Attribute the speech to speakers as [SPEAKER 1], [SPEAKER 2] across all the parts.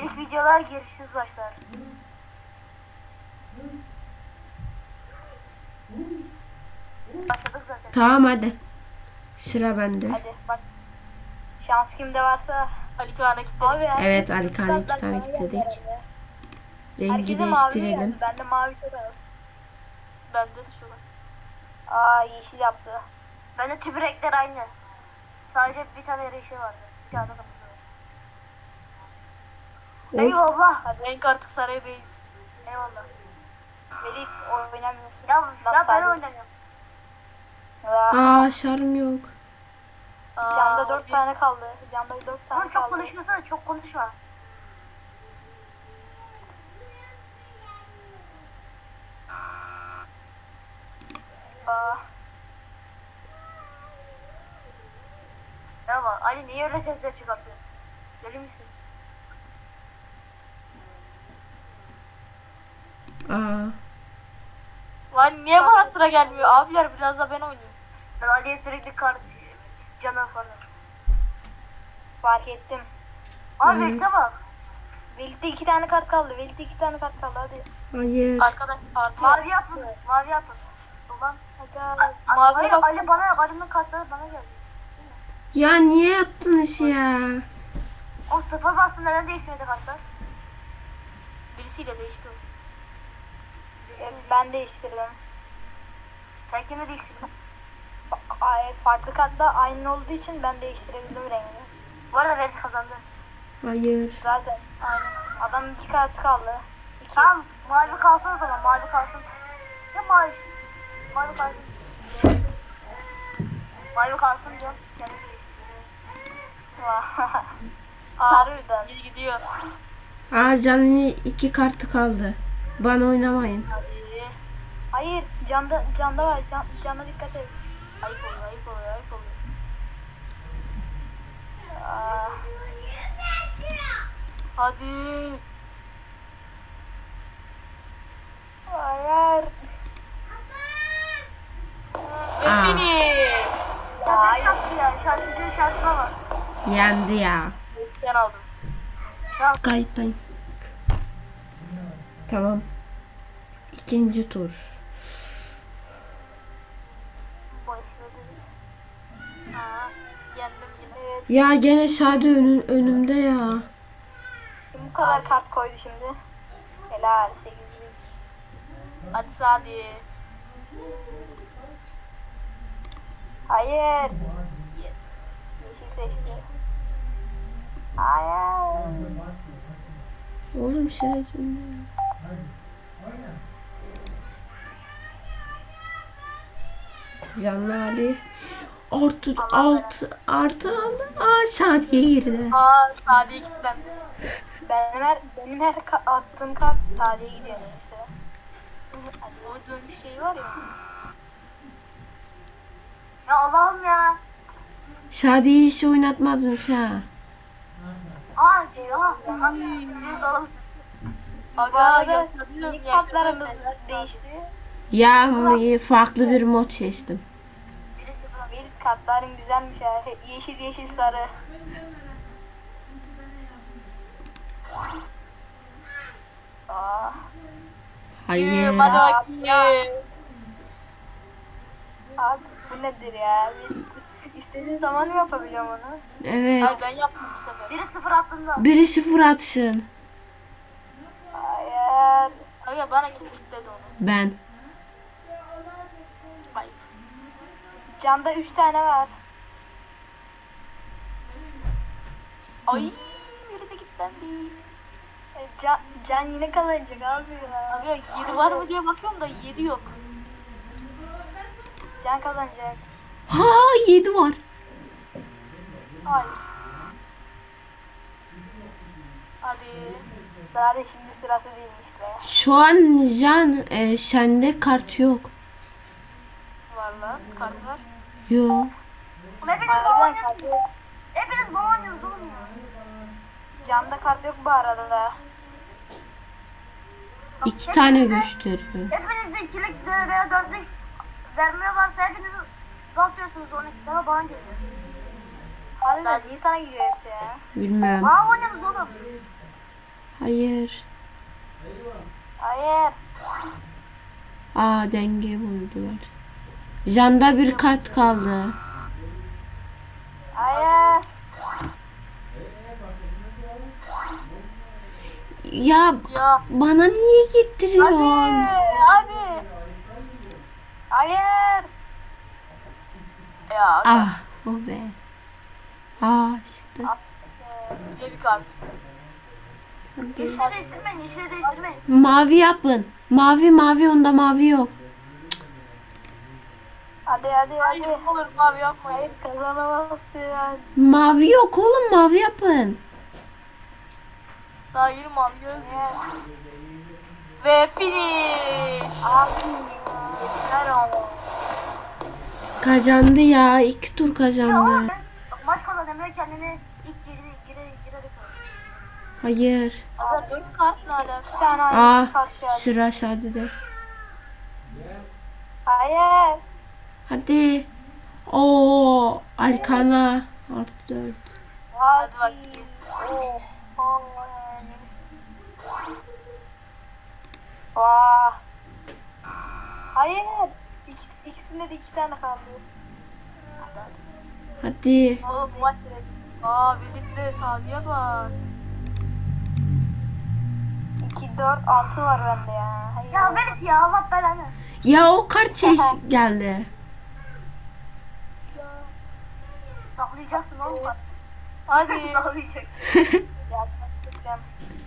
[SPEAKER 1] İlk videolar girişsiz başlar. Başladık zaten.
[SPEAKER 2] Tamam hadi. Sıra bende.
[SPEAKER 1] Hadi bak. Şans kimde varsa.
[SPEAKER 3] Ali Kağan'a kilitledik.
[SPEAKER 1] Abi ya.
[SPEAKER 2] Evet Ali Kağan'a 2 tane
[SPEAKER 1] Bana geldi
[SPEAKER 2] kilitledik.
[SPEAKER 1] herhalde.
[SPEAKER 2] Rengi
[SPEAKER 1] Herkese mavi
[SPEAKER 2] değiştirelim.
[SPEAKER 1] geldi. Bende mavi çok az.
[SPEAKER 3] Bende de şu var.
[SPEAKER 1] Aa yeşil yaptı. Bende tüm renkler aynı. Sadece bir tane yeşil vardı. Bir tane kırmızı var.
[SPEAKER 2] Hop.
[SPEAKER 1] Eyvallah. Hadi
[SPEAKER 3] Renk artık saraya beyiz.
[SPEAKER 1] eyvallah. Melih oynamıyorsun. Ya ben oynamıyorum.
[SPEAKER 2] Aa şarm yok.
[SPEAKER 1] Camda 4 tane kaldı. Camda 4 tane
[SPEAKER 3] Ama
[SPEAKER 1] kaldı.
[SPEAKER 3] çok konuşmasana, çok konuşma.
[SPEAKER 1] Aa,
[SPEAKER 3] Merhaba, Ali niye öyle sesler çıkartıyor? Deli misin?
[SPEAKER 2] Aa.
[SPEAKER 3] Lan niye bana sıra gelmiyor? Abiler biraz da ben oynayayım.
[SPEAKER 1] ben Ali'ye sürekli kart canı falan. Fark ettim.
[SPEAKER 2] Abi,
[SPEAKER 1] Velit'e bak. Velit'te 2 tane kart kaldı. Velit'te 2 tane kart kaldı hadi.
[SPEAKER 2] Hayır.
[SPEAKER 3] Arkadaş artı
[SPEAKER 1] Mavi yapın. Mavi yapın. Ulan hadi.
[SPEAKER 3] Mavi
[SPEAKER 1] Hayır
[SPEAKER 3] yap.
[SPEAKER 1] Ali bana Ali'nin kartları bana geldi.
[SPEAKER 2] Ya niye yaptınız ya?
[SPEAKER 1] O sıfır bastı neden değişmedi kartlar?
[SPEAKER 3] birisiyle değişti o.
[SPEAKER 1] Ben değiştirdim. Sen kimi değiştirdin? Farklı kartla aynı olduğu için ben değiştirebildim rengini. Bu arada Velit kazandı.
[SPEAKER 2] Hayır.
[SPEAKER 1] Zaten aynen. Adamın 2 kartı kaldı. Tamam mavi kalsın o zaman mavi kalsın. Ya mavi. Mavi kalsın. Mavi kalsın diyor. Kendim Harbiden.
[SPEAKER 3] Geri gidiyor.
[SPEAKER 2] Aa canın 2 kartı kaldı. Bana oynamayın.
[SPEAKER 3] Hadi.
[SPEAKER 1] Hayır canda var cana dikkat et. Ayıp oluyor ayıp oluyor ayıp oluyor. Aa,
[SPEAKER 3] Hadi.
[SPEAKER 1] hayır.
[SPEAKER 3] Finish.
[SPEAKER 1] Hayır ya şarkıcı şarkına bak.
[SPEAKER 2] Yendi ya.
[SPEAKER 3] Ben aldım.
[SPEAKER 2] Kayıttayım. Tamam. İkinci tur.
[SPEAKER 1] Başladı.
[SPEAKER 3] Ha, yendim yine.
[SPEAKER 1] Evet.
[SPEAKER 2] Ya gene Şadi önümde ya.
[SPEAKER 1] Bu kadar kart koydu şimdi. Helal 8'lik.
[SPEAKER 3] Hadi Sadi.
[SPEAKER 1] Hayır.
[SPEAKER 3] Yes.
[SPEAKER 1] Yeşil seçti. Hayır.
[SPEAKER 2] Oğlum şuraya kimde? Canlı Ali. Artı aldı. Aa Şadi'ye girdi.
[SPEAKER 3] Aa Sadi'ye kilitlendi.
[SPEAKER 1] Benim her attığım kart tarihe gidiyor neyse.
[SPEAKER 3] O dönüş şeyi var ya.
[SPEAKER 1] Ya Allah'ım ya.
[SPEAKER 2] Şadi'yi hiç oynatmadın ha.
[SPEAKER 1] Aa ya.
[SPEAKER 3] Aga
[SPEAKER 1] İlk
[SPEAKER 3] yaşlanıyorum
[SPEAKER 1] kartlarımız
[SPEAKER 3] yaşlanıyorum.
[SPEAKER 1] değişti.
[SPEAKER 2] Ya farklı bir mod seçtim.
[SPEAKER 1] İlk kartların güzelmiş ya. Yeşil yeşil sarı. Aa.
[SPEAKER 2] Hayır.
[SPEAKER 3] Hadi bakayım.
[SPEAKER 1] Abi bu nedir ya? İstediğin zaman mı yapabiliyorum onu?
[SPEAKER 2] Evet.
[SPEAKER 3] Hayır ben yaptım bu sefer.
[SPEAKER 1] Biri sıfır attığında.
[SPEAKER 2] Biri 0 atsın.
[SPEAKER 1] Hayır.
[SPEAKER 3] Aga bana kim kilitledi onu?
[SPEAKER 2] Ben.
[SPEAKER 3] Hayır.
[SPEAKER 1] Canda 3 tane var.
[SPEAKER 3] Ay biri de kilitlendi.
[SPEAKER 1] Can yine kazanacak abi ya.
[SPEAKER 3] Aga 7 var mı diye bakıyorum da 7 yok.
[SPEAKER 1] Can kazanacak.
[SPEAKER 2] Ha 7 var.
[SPEAKER 1] Hayır.
[SPEAKER 3] Hadi.
[SPEAKER 1] Zaten şimdi sırası değilmiş be.
[SPEAKER 2] Şu an Can sende kart yok.
[SPEAKER 3] Var lan kart var.
[SPEAKER 2] Yok.
[SPEAKER 1] Harbiden kart yok. Hepiniz bana oynuyorsunuz oğlum ya. Canda kart yok bu arada da.
[SPEAKER 2] 2 tane gösteriyor.
[SPEAKER 1] Hepiniz de ikilik veya dörtlük vermiyor varsa hepiniz basıyorsunuz 12 tane bana geliyor. Harbiden niye sana geliyor hepsi ya?
[SPEAKER 2] Bilmiyorum.
[SPEAKER 1] Bana oynuyorsunuz oğlum.
[SPEAKER 2] Hayır.
[SPEAKER 1] Hayır.
[SPEAKER 2] Aa, denge vurdular. Janda bir kart kaldı.
[SPEAKER 1] Hayır.
[SPEAKER 2] Ya
[SPEAKER 3] Ya.
[SPEAKER 2] bana niye getiriyorsun?
[SPEAKER 3] Hadi.
[SPEAKER 1] Hayır.
[SPEAKER 3] Ya.
[SPEAKER 2] Ah, o be. Aa, çıktı.
[SPEAKER 3] Yine bir kart.
[SPEAKER 2] Hadi.
[SPEAKER 1] Yeşile değiştirmeyin. Yeşile değiştirmeyin.
[SPEAKER 2] Mavi yapın. Mavi, onda mavi yok.
[SPEAKER 1] Hadi.
[SPEAKER 3] Hayır olur abi yapmayın.
[SPEAKER 1] Hayır kazanamazsın.
[SPEAKER 2] Mavi yok oğlum, mavi yapın.
[SPEAKER 3] Daha 20 abi göz. Ve finish.
[SPEAKER 1] Abi. Yeter ama.
[SPEAKER 2] Kazandı ya, 2 tur
[SPEAKER 1] Ya
[SPEAKER 2] kazandı.
[SPEAKER 1] maç kazan Emre kendini ilk girerek
[SPEAKER 2] Hayır.
[SPEAKER 3] Aga 4 kart ne alaka?
[SPEAKER 1] bir tane
[SPEAKER 2] Aa,
[SPEAKER 1] aynı kart geldi.
[SPEAKER 2] sıra Şadi'de.
[SPEAKER 1] Hayır.
[SPEAKER 2] Hadi. Oo, Alkana. Artı 4.
[SPEAKER 3] Hadi bakayım.
[SPEAKER 1] Oh. Vallahi. Vah. Hayır. İkisinde de 2 tane kaldı.
[SPEAKER 2] Hadi.
[SPEAKER 3] Oğlum maç. Aa birlikte Sadiye bak.
[SPEAKER 1] 2, 4, 6 var bende ya. Hayır. Ya Melis ya Allah belanı.
[SPEAKER 2] Ya o kart şey geldi.
[SPEAKER 1] Saklayacaksın oğlum bak.
[SPEAKER 3] Hadi.
[SPEAKER 1] Saklayacaksın. Ya saklayacağım.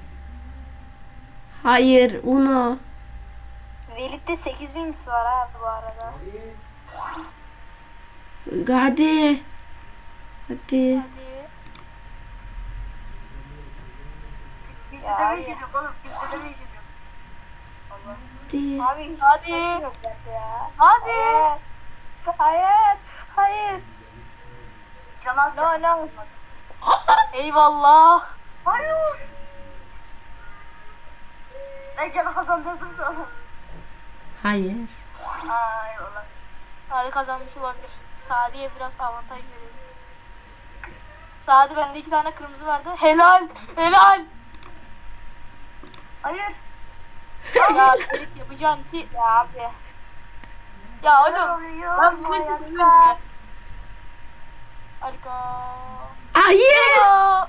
[SPEAKER 2] Hayır, Uno.
[SPEAKER 1] Velid'de 8000 var abi bu arada.
[SPEAKER 2] Hadi. Hadi.
[SPEAKER 3] Hadi.
[SPEAKER 1] Ya hayır. Oğlum kimse de değişiyor.
[SPEAKER 2] Hadi.
[SPEAKER 1] Abi hiç
[SPEAKER 3] Hadi.
[SPEAKER 1] yok bende ya.
[SPEAKER 3] Hadi.
[SPEAKER 1] Hayır. Canan no.
[SPEAKER 3] Eyvallah.
[SPEAKER 1] Hayır. Ben canı kazandırdım sana.
[SPEAKER 2] Hayır.
[SPEAKER 1] Aa eyvallah.
[SPEAKER 3] Sadi kazanmış olabilir. Sadi'ye biraz avantaj verelim. Sadi bende 2 tane kırmızı vardı. Helal. Helal.
[SPEAKER 1] Hayır.
[SPEAKER 3] Ya Ferit yapacağın ki.
[SPEAKER 1] Ya abi.
[SPEAKER 3] Ya
[SPEAKER 1] Ne
[SPEAKER 3] oğlum.
[SPEAKER 1] oluyor
[SPEAKER 3] Ben
[SPEAKER 1] bu
[SPEAKER 3] bu
[SPEAKER 1] hayatta?
[SPEAKER 3] bilmiyorum ya. Harika.
[SPEAKER 2] Hayır.
[SPEAKER 3] Ya.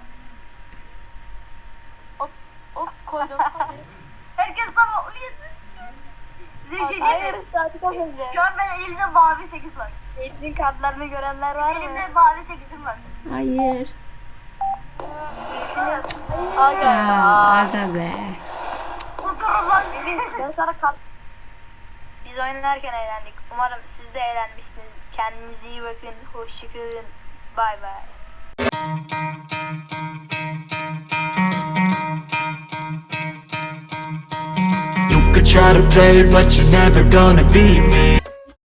[SPEAKER 3] Hop koydum.
[SPEAKER 1] Herkes bana onu yesin. Size bir şey
[SPEAKER 3] Hayır,
[SPEAKER 1] diyeyim mi?
[SPEAKER 3] Sadi kazandı.
[SPEAKER 1] Şu an ben elimde mavi 8 var. Eğitim kartlarını görenler var mı? Elimde mavi 8'im var.
[SPEAKER 2] Hayır.
[SPEAKER 3] Aga.
[SPEAKER 2] Ya, aga be.
[SPEAKER 1] Kurtarın lan. Ben sana kart... Biz oynarken eğlendik. Umarım siz de eğlenmişsiniz. Kendinize iyi bakın. Hoşçakalın. Bay bay.
[SPEAKER 4] You could try to play, but you're never gonna beat me.